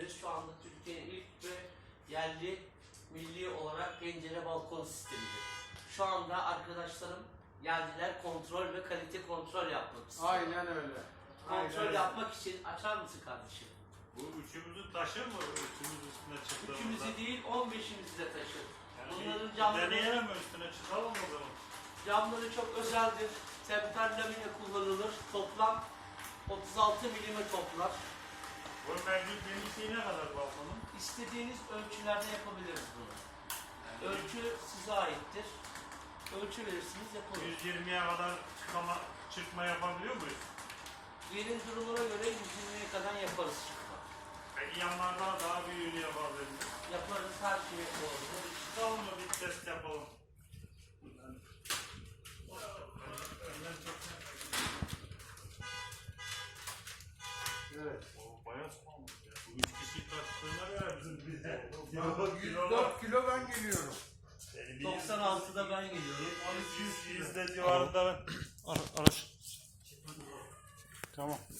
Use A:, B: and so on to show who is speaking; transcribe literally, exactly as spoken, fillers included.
A: şu anda Türkiye'nin ilk ve yerli milli olarak pencere balkon sistemidir. Şu anda arkadaşlarım geldiler kontrol ve kalite kontrol yapmak istiyor.
B: Aynen öyle.
A: Kontrol
B: Aynen.
A: yapmak için açar mısın kardeşim?
C: Bu üçümüzü taşır mı? Üçümüz üstüne çıktığımızda.
A: Üçümüzü değil on beşimizi de taşır.
C: Yani
A: Bunların
C: bir
A: camları,
C: deneyelim mi üstüne çıkalım o zaman?
A: camları çok özeldir. Temper lamine kullanılır. Toplam otuz altı milime toplar.
C: Bu mevcut genişliği ne kadar balkonun?
A: İstediğiniz ölçülerde yapabiliriz bunu.
C: Yani
A: Ölçü size aittir. Ölçü verirsiniz yapılır.
C: yüz yirmiye kadar çıkma, çıkma yapabiliyor muyuz?
A: Yerin durumuna göre yüz yirmiye kadar yaparız çıkma.
C: Peki yanlarda daha büyüğünü yapabiliriz.
A: Yaparız, her şeyi yapabiliriz.
C: Çıkalım mı bir test yapalım.
B: Evet.
C: O bayağı soğumuş ya. Bu üç kişi taşıdığına göre bizim bize.
B: yüz dört kilo ben geliyorum.
A: doksan altıda ben geliyorum.
C: Yüzde civarında ben. Araş. Tamam.